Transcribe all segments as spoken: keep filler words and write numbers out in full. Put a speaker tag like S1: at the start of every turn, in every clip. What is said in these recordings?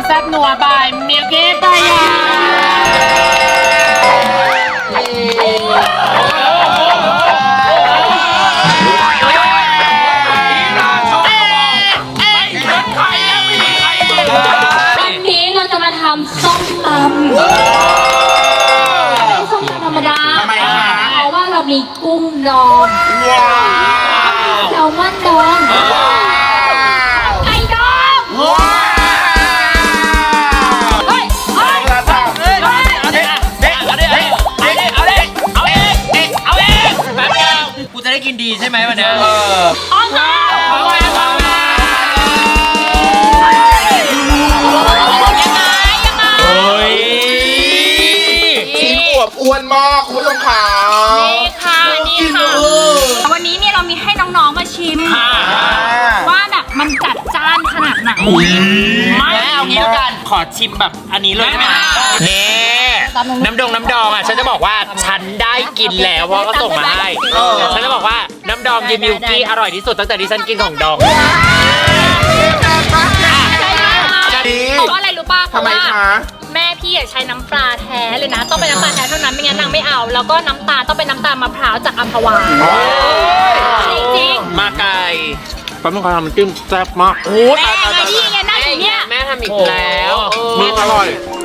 S1: ซ่บนัวบายมิลกี้ตายา
S2: วันนี้เราจะมาทำส้มตำไม่ส้มตำธรรมดาเพราะว่าเรามีกุ้งดองแซลมอนดองไก่ดองเฮ้ยเฮ้ย
S1: เอาเด็กเอาเด็กเอาเด็กเอาเด็กเอาเด็กเอาเด็กแป๊บเดียวกูจะได้กินดีใช่ไหมวันนี้เออ
S2: อ๋อค่ะ
S1: เอาไว้เอาไว้
S3: ชิ้นอวบอ้วนมากคุณผู้ชมขา
S2: นี่ค่ะนี่ค่ะวันนี้เนี่ยเรามีให้น้องๆมาชิมว่าแบบมันจัดจ้านขนาดไหน
S1: ไม่เอางี้แล้วกันขอชิมแบบอันนี้เลยได้ไหมเน่น้ำดองน้ำดองอ่ะฉันจะบอกว่าฉันได้กินแล้วเพราะเขาส่งมาให้ฉันจะบอกว่าน้ำดองเยมิวกี้อร่อยที่สุดตั้งแต่ที่ฉันกินของดอง
S2: เพราะอะไรรู้ป่ะเพ
S3: ทำ
S2: ราะ
S3: ไม
S2: ว่า
S3: คะ
S2: แม่พี่ใช้น้ำปลาแท้เลยนะต้องเป็นน้ำปลาแท้เท่านั้นไม่งั้นนางไม่เอาแล้วก็น้ำตาลต้องเป็นน้ำตาลมะพร้าวจากอัมพวาจริง
S1: ๆมาไก่
S3: แป๊บนึงค่ะมันจิ้มแซ่บมาก
S1: โอ้
S2: แม่ไงที่ไงนั่งอยู่เนี่ย
S1: แม่ทำอีกแล้ว
S3: มึงอร่อย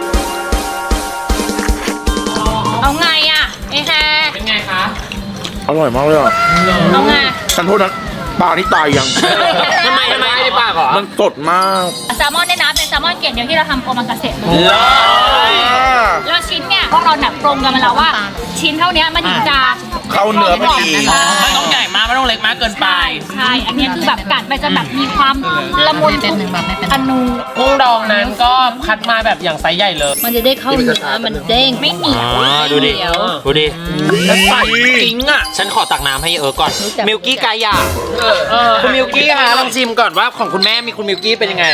S2: เอาไงอ่ะไอ้แฮ
S1: เป็นไงคะ
S3: อร่อยมากเลยอ่ะ
S2: เอาไง
S3: ฉันโทษนะปลาที่ตายยัง
S1: ทำไมทำไมไม่ได้ปากเหรอ
S3: มันสดมาก
S2: แซลมอนเนี่ยนะเป็นแซลมอนเกรดเดียวที่เราทำโอมากาเสะ
S1: เลย
S2: แล้วชิ้นเนี่ยพวกเราหนักตรงกันมาแล้วว่าชิ้นเท่านี้มันถึงจะ
S3: เข้าเนื้อพอดี
S1: ไม่ต้องใหญ่มากไม่ต้องเล็กมากเกินไป
S2: ใช่อันนี้คือแบบกัดไปจะแบบมีความละมุนเป็นหนึ่งแบบไม่เป็นอนู
S1: กุ้งดองนั้นก็คัดมาแบบอย่างไซส์ใหญ่เลย
S2: มันจะได้เข้าเนื้อมันเด้งไม่เหนียว
S1: ดูดิดูดิแล้วใส่จริงอ่ะฉันขอตักน้ำให้เออก่อนมิลกี้กายาคุณมิลกี้ค่ะลองชิมก่อนว่าของคุณแม่มีคุณมิลกี้เป็นยังไง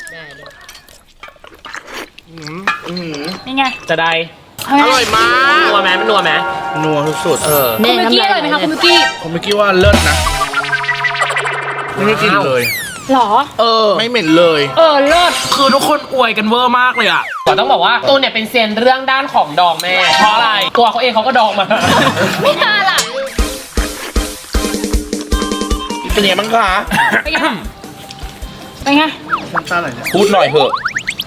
S2: นี่ไง
S1: จะได้
S3: อร่อยมาก
S1: นัวไหมมันนัวไหม
S3: นัวสุดๆเออ
S2: คุณมิลกี้อร่อยไหมคะคุณมิลกี้
S3: คุณมิลกี้ว่าเลิศนะไม่ได้กินเลย
S2: หรอ
S3: เออไม่เหม็นเลย
S2: เออเลิศ
S1: คือทุกคนอวยกันเวอร์มากเลยอ่ะแต่ต้องบอกว่าตูนเนี่ยเป็นเซียนเรื่องด้านของดองแม่เพราะอะไรตัวเขาเองเขาก็ดองมา
S2: ไม่น่าล่ะ
S3: เป็นยังไงบ้างคะ
S2: เป็นไงเป็นไง
S3: พูดหน่อยเถอะ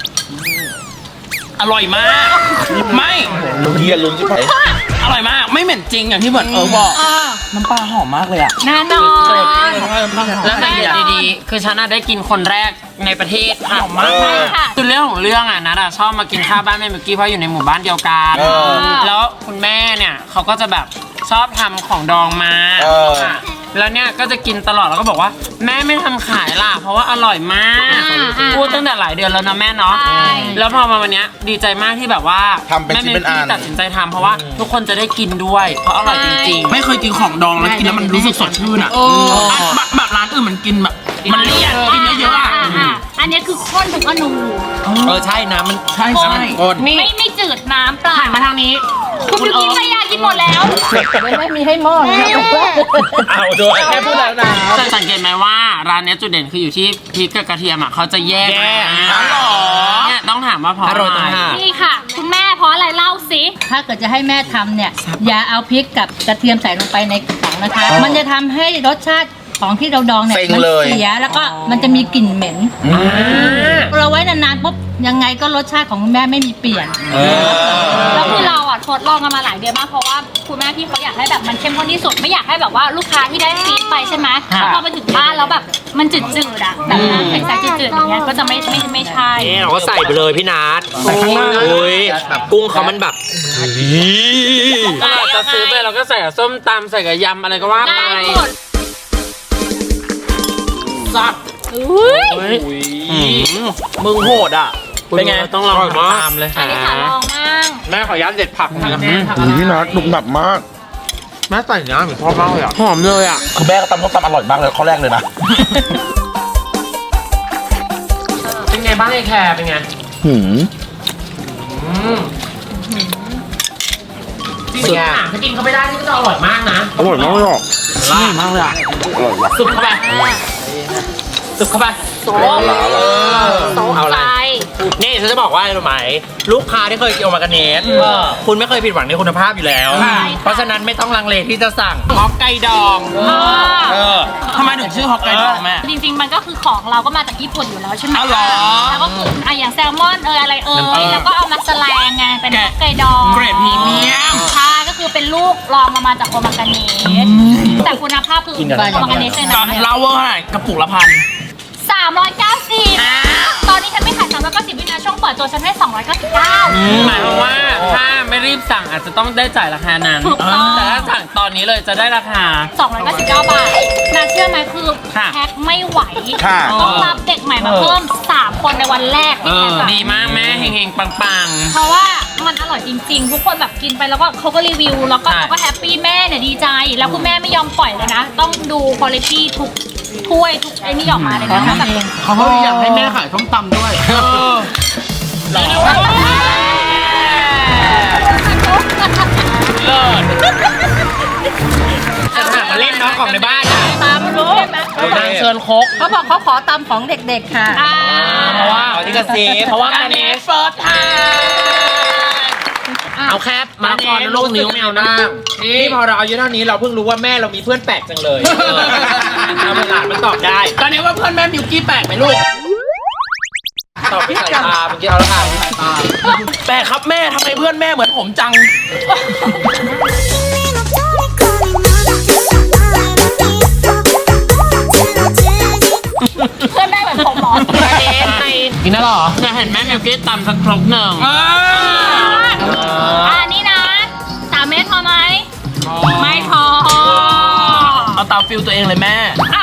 S1: อร่อยมากไม่
S3: เฮียลุ้นใช่ไหม
S1: อร่อยมากไม่เหม็นจริงอย่างที่เหมือนเออบอกน้ำปลาหอมมากเลยอ่ะ
S2: แน่นอน
S1: แล้วสังเกตดีๆคือฉันได้กินคนแรกในประเทศหอมมากคือเรื่องของเรื่องอ่ะนัดชอบมากินข้าวบ้านแม่มิลกี้เพราะอยู่ในหมู่บ้านเดียวกันแล้วคุณแม่เนี่ยเขาก็จะแบบชอบทำของดองมาแล้วเนี่ยก็จะกินตลอดแล้วก็บอกว่าแม่ไม่ทำขายล่ะเพราะว่าอร่อยมากพูดตั้งแต่หลายเดือนแล้วนะแม่เนาะแล้วพอมาวันนี้ดีใจมากที่แบบว่าแม่มิลกี้ตัดสินใจทำเพราะว่าทุกคนจะได้กินด้วยเพราะอร่อยจริงๆ
S4: ไม่เคยกินของดองแล้วกินแล้วมันรู้สึกสดชื่นอ่ะแบบร้านอื่นมันกินแบบมันเลี่ยนกินเยอะๆอ่ะ
S2: อันนี้คือข้นถึงอนู
S1: เออใช่นะมัน
S4: ใช่ใช่
S2: ไม่ไม่จืดน้ำเปล่า
S1: หันมาทางนี้
S2: คุณมิลกี้ภรรยากินหมดแล้ว
S5: ไม่มีให้หม้อ
S1: เอาด้วยแค่พูดแล้วนะสังเกตไหมว่าร้านนี้จุดเด่นคืออยู่ที่พริกกับกระเทียมอ่ะเขาจะแยก
S4: อ๋อเหรอ
S1: เนี่ยต้องถามว่าเพราะอะไร
S2: นี่ค่ะคุณแม่เพราะอะไรเล่าสิ
S5: ถ้าเกิดจะให้แม่ทำเนี่ยอย่าเอาพริกกับกระเทียมใส่ลงไปในถังนะคะมันจะทำให้รสชาติของที่เราดองเนี่ยมันเสียแล้วก็มันจะมีกลิ่นเหม็นเราไว้นานๆปุ๊บยังไงก็รสชาติของคุณแม่ไม่มีเปลี่ยน
S2: แล้วคือเราอ่ะทดลองกันมาหลายเดือนมากเพราะว่าคุณแม่พี่เขาอยากให้แบบมันเข้มข้นที่สุดไม่อยากให้แบบว่าลูกค้าที่ได้ฟีดไปใช่ไหมพอไปถึงบ้านแล้วแบบมันจืดๆอ่ะแบบน้ำใสๆจืดๆอย่างเงี้ยก็จะไม่ไม่ไม่ใช่
S1: นี่เราก็ใส่ไปเลยพี่นัทใส่ข้างหน้าเลยกุ้งเขามันแบบจะซื้อไปเราก็ใส่กับส้มตำใส่กับยำอะไรก็ว่าไปสับ
S2: อุ้ย
S1: มึงโหดอ่ะเป็นไงต้องลองตามเลย
S2: อันนี้ค่ะลองมาก
S1: แม่ขอยัดเด็ดผักนะ
S3: พี่นัทหนุบหนับมาก
S1: แม่ใส่เนื้อเหมือนพ่อมากเลยอ่ะหอมเลยอ่ะ
S3: คือแม่ก็ตำส้มตำอร่อยมากเลยข้อแรกเลยนะ
S1: เป็นไงบ้างไอ้แคร์เป็นไง
S3: หืม
S1: สุดอ่ะถ้ากินเขาไม่ได้นี่ก็จะอร่อยมากนะ
S3: อร่อยมากเลยอ่ะ
S1: อร่อยมากเลยอ่ะ
S3: อร่อยว่ะ
S1: สุดเข้าไปสุดเข้าไป
S2: โซ่โซ่ใจ
S3: นี่ฉันจะบอกว่าอะไรรู้ไหมลูกค้าที่เคยกินโอมากาเนสคุณไม่เคยผิดหวังในคุณภาพอยู่แล้ว เพราะฉะนั้นไม่ต้องลังเลที่จะสั่งฮอกไกดองเออ
S4: ทำไมถึงชื่อฮอกไกโดแม่
S2: จริงๆมันก็คือของเราก็มาจากญี่ปุ่นอยู่แล้วใช่ไหม
S4: อ๋อเหรอ
S2: แล้วก็คืออ่ะอย่างแซลมอนเอยอะไรเอยแล้วก็เอามาแสลงไงเป็นฮอกไกดอง
S4: เกรดพรีเมียม
S2: ใช่ก็คือเป็นลูกรองมามาจากโอมากาเนสแต่คุณภาพคือโอมากาเนสเลย
S4: ตอ
S2: นะ
S4: นเล่าเวอร์เท่าไหร่กระปุกละพัน
S2: สามร้อยเก้าสิบตอนนี้ฉันไม่ขายสามร้อยเก้าสิบวินาช่วงเปิดตัวฉันให้สองร้อยเก้าสิบเก้า
S1: หมายความว่าถ้าไม่รีบสั่งอาจจะต้องได้จ่ายราคานั้น
S2: ถูกต้อง
S1: แต่ถ้าสั่งตอนนี้เลยจะได้ราคา
S2: สองร้อยเก้าสิบเก้าบาทนาเชื่อไหมคือ
S1: ค่ะ
S2: แพ็คไม่ไหว
S6: ค่ะ
S2: ต้องรับเด็กใหม่มาเพิ่มสามคนในวันแรก
S1: เอ
S2: ที่
S1: อ
S2: แพ็คอะ
S1: ดีมากแม่เฮงๆ ปัง
S2: เพราะว่ามันอร่อยจริงๆ ทุกคนแบบกินไปแล้วก็เขาก็รีวิว แล้วก็
S1: ใช่
S2: เขาก็แฮปปี้แม่เนี่ยดีใจ แล้วคุณแม่ไม่ยอมปล่อยเลยนะ ต้องดูคุณภาพทุกถ้วยทุกไอ้นี่ออกมาเลยนะแบบ
S4: เขาก็อยากให้แม่ขายส้มตำด้วย
S3: จะถามมาเล่นน้องของในบ้านนะ
S5: ตามรู้
S3: นางเชิญคก
S5: เขาบอกเขาขอตามของเด็กๆค่ะ
S2: อ่า
S3: เพราะว่าที่กระซิบเพราะว่า
S4: การ
S3: กา
S4: เน
S3: เน
S4: ส
S3: ส
S4: เฟิร์สไทม์
S3: เอาแคบมาคอนลูกนิ้วแมวนั่งนี่พอเราอายุเท่านี้เราเพิ่งรู้ว่าแม่เรามีเพื่อนแปลกจังเลยเอาหลานมันตอบได้
S4: ตอนนี้ว่าเพื่อนแม่มิวกี้แปลกไหมลูก
S3: ตอบด้วยสายตาเมื่อกี้เอาแล้วค่ะสายตา
S4: แปลกครับแม่ทำไมเพื่อนแม่เหมือนผมจัง
S2: เพื่อนได้เหมือนผมหมอ
S3: เนสในกินแล้วหรอ
S1: ๆจะเห็นแม่มิวกี้ตำสักครกหนึ่ง
S2: อ่านี่นะสามเม็ดพอไหมไม่พอ
S4: เอาตามฟิลตัวเองเลยแม่
S2: อ่ะ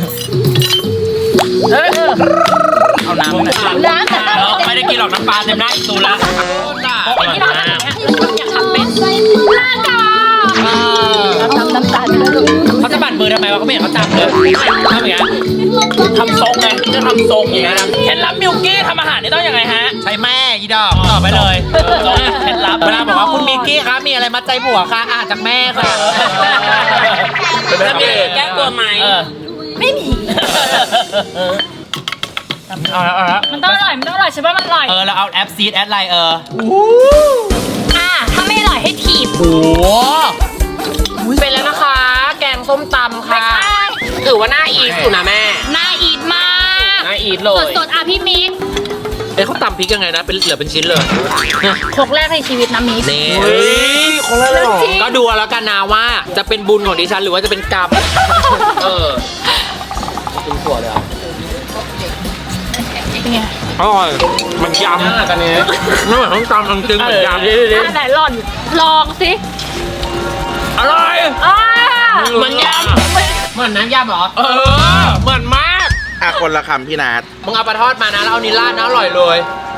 S4: เอาน้ำไปหน่อย
S5: น้ำแต่
S3: เราไม่ได้กินหรอกน้ำปลาเต็มหน้าอีกตูแล้ว
S2: ไอ้ที่เราทำอย่างเงี้ยอยากทำเป็นลากา
S5: ทำน้ำตาลไปเลยลูก
S3: เขาจะบั่นมือทำไมวะเขาไม่เห็นเขาจับเลยทำอย่างเงี้ย
S4: ทำทรงไงจะทำทรงอย่างเงี้ยนะเคล็ดลับมิวกี้ทำอาหารนี่ต้องยังไงฮะ
S3: ใช้แม่อีดอกตอบไปเลยเคล็ดลับเวลาบอกว่าคุณมิกกี้คะมีอะไรมาใจผัวคะอ่านจากแม่ค่ะ
S1: จะมีแก้ตัวไหม
S2: ไม่มี
S3: เอาแล้วเอาแล้ว
S2: มันต้องอร่อยมันต้องอร่อยใช่ป่ะมันอร่อย
S3: เออเราเอาแอปซีดแอดไลน์เออ
S2: อ่ะถ้าไม่อร่อยให้ถีบ
S3: โอ้เป็นแล้วนะคะ แกงส้มตำค่ะ
S2: ใช่
S3: ถือว่าน่าอีทอยู่นะแม่
S2: น่าอีทมาก
S3: น่าอีทเลย
S2: สดๆอ่ะพี่มิก
S3: เอ้เขาตำพริกยังไงนะเป็นเหลือเป็นชิ้นเลย
S2: ครกแรกในชีวิตนะมิก
S3: นี่คนละเลยก็ดูเอาแล้วกันนะว่าจะเป็นบุญของดิฉันหรือว่าจะเป็นกรรมเออกินถั่วเลยอ่ะ
S2: เป็นไง
S3: อร่อยมันยำกันนี้ไม่เหมือนต้องตำมันจริงเหมือนยำดิ
S2: อ่ะไหนหล่อนลองสิ
S3: อร่อย
S2: อ่า
S3: เหมือนยำเหมือนน้ำยำเหรอเออเหมือนมาก
S6: อ่ะคนละคำพี่นัท
S3: มึงเอาปลาทอดมานะแล้วเอานิลลาดนะอร่อยเลย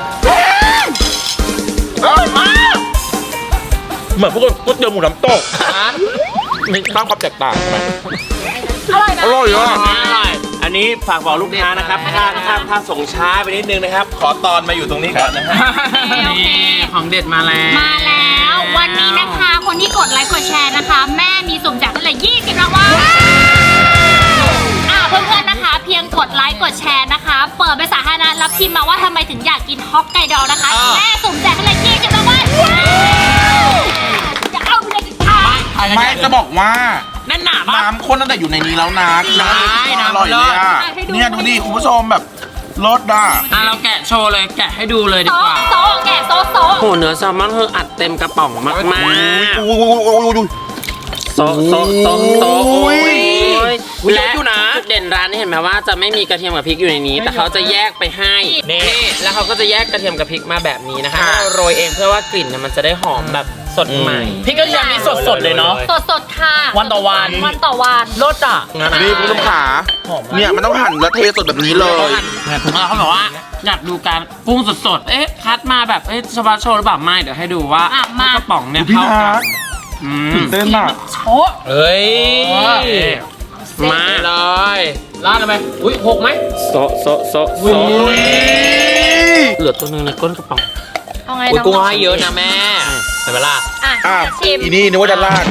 S6: อร่อยมาก เหมือนพวกก๋วยเตี๋ยวหมูน้ำตก
S3: ฮะ
S6: มีสร้างความแตกต่างใช่ไหม
S2: อร่อยนะ
S6: อร่อยอ่ะ
S3: อร่อย
S7: อันนี้ฝากบอกลูกค้านะครับ ถ้าถ้าถ้าส่งช้าไปนิดนึงนะครับ ขอตอนมาอยู่ตรงนี้ก่อนนะฮะ
S2: โอเค
S1: นี่ของเด็ดมาแล้ว
S2: มาแล้ววันนี้นะคะคนที่กดไลค์กดแชร์นะคะ แม่มีสุ่มแจกตั้งแต่ยี่สิบรางวัลอ่ะเพื่อนๆนะคะ เพียงกดไลค์กดแชร์นะคะ เปิดเป็นสาธารณะแล้วพิมพ์มาว่าทำไมถึงอยากกินฮอกไกโดนะคะ แม่สุ่มแจกตั้งแต่ยี่สิบรางวัลจะเอาไปเลยค่ะ
S6: ไม่จะบอกว่า
S4: แน่นหนาปะ
S6: น้ำข้นตั้งแต่อยู่ในนี้แล้วนะ
S3: ใช่น้ำ
S6: อร่อยเลยอ่ะ
S2: ให้ดู
S6: เนี่ยดูดิคุณผู้ชมแบบรสอ่ะ
S1: อ่ะเราแกะโชว์เลยแกะให้ดูเลยดี
S2: โซ
S1: กว่า
S2: โซแกะโซโซ
S1: โหเนื้อแซลมอนคืออัดเต็มกระป๋องมากมาก
S6: อุ้ยอุ้ยอุ้ยอุ้ยอุ้ย
S1: โซะโซะโซะโซะ
S6: โอ้
S1: โอ้
S6: ย
S1: ย
S4: อุ๊ย
S1: และ
S4: เยอะอยู่นะ
S1: จุดเด่นร้านนี้เห็นไหมว่าจะไม่มีกระเทียมกับพริกอยู่ในนี้ แต่เขาจะแยกไปให้นี่แล้วเขาก็จะแยกกระเทียมกับพริกมาแบบนี้นะคะเราโรยเองเพื่อว่ากลิ่นเนี่ยมันจะได้หอมแบบสดใหม่
S4: พริกกระเทียมนี่สดๆเลยเนาะ
S2: สดสดๆค่ะ
S4: วันต่อวัน
S2: วันต่อวัน
S4: รสอ่ะ
S6: นี่คุณผู้ชมขาเนี่ยมันต้องหั่นแล้วเทสดแบบนี้เลย
S1: ผมเขาบอกว่าอยากดูการปรุงสดๆ เอ๊ะคัดมาแบบเอ๊ะชบาโชว์หรือเปล่าไม่เดี๋ยวให้ดูว่า
S2: อ่ะมา
S1: กระป๋องเนี่ย
S6: พี่
S1: เข้า
S6: นั
S1: กัน
S6: ท
S1: อืม
S6: ตื่นเต้นอ่ะ
S3: เฮ้ย
S1: มา
S3: เลยลาดลงไปอุ้ยหกไหม
S1: โซะโซะโซะโซะเหลือตัวหนึงในก้นกระป๋อง
S2: เอาไง
S3: อุ้ย
S2: น้อง
S3: กุ้งให้เยอะนะแม่เห็นไหมล่ะ
S2: อ่ะ
S6: อ่ะ
S2: ชิม
S6: อีนี่นึกว่าจะลาด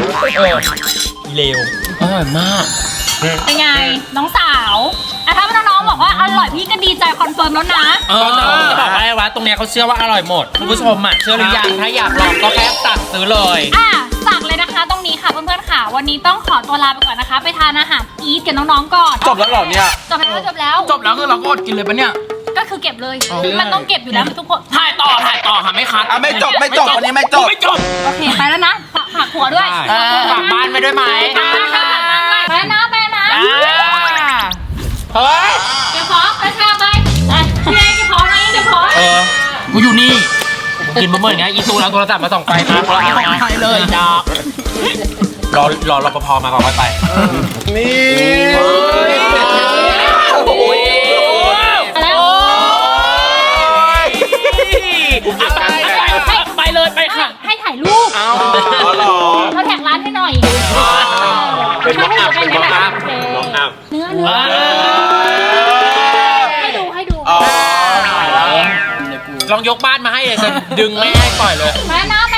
S3: เร็วอร่อยมาก
S2: เป็นไง น้องสาวอ่ะถ้าน้องๆบอกว่าอร่อยพี่ก็ดีใจคอนเฟิร์มแล้วนะ
S3: เออจะบอกว่าไอ้วะตรงเนี้ยเขาเชื่อว่าอร่อยหมดคุณผู้ชมอ่ะเชื่อหรือยังถ้าอยากลองก็แค่สั่งซื้อเลย
S2: อ่ะสั่งเลยนะคะตรงนี้ค่ะเพื่อนๆค่ะวันนี้ต้องขอตัวลาไปก่อนนะคะ ไปทานอาหารอีทกับน้องๆก่อน
S7: จบแล้วเหรอเนี่ย
S2: จบแล้วจบแล้ว
S4: จบแล้วคือเราก็อดกินเลยปะเนี่ย
S2: ก็คือเก็บเลย มันต้องเก็บอยู่แล้วทุกคน
S4: ถ่ายต่อถ่ายต่อค่ะไม่คัด
S7: อ่ะไม่จบไม่จบวันนี้ไม่จบ
S4: ไม่จบ
S2: โอเคไปแล้วนะฝากฝากหัวด้วย
S3: เออฝากบ้านไปด้วยไหม
S2: ฝากบ้านฝากบ้านด้วยไปแล้วนะไปแล้วนะ
S3: เฮ้ย
S2: เก็บของกระชากไปไปพี่เอเก็บของนะเก็บของ
S3: เออ
S4: กูอยู่นี่
S3: กินบะหมี่เนี้ยอีตูแล้วโทรศัพท์มาส่องไปนะ
S4: ไปเลย
S3: ดอกรอรอรปภมาก่อนค่อยไป
S7: นี่
S2: แล้ว
S4: ไปไปเลยไปค่ะ
S2: ให้ถ่ายรูป
S7: เอาเหรอ
S2: เราแท็กร้านให้หน่อย
S7: เป็นม็อกอัพเป็นม็อกอัพม็อกอัพ
S2: เนื้อเนื้อให้ดูให้ดู
S7: อ๋อ
S3: ลองยกบ้านมาให้เลยจะดึงไม่ให้ปล่อยเลย
S2: มาแล้วนะ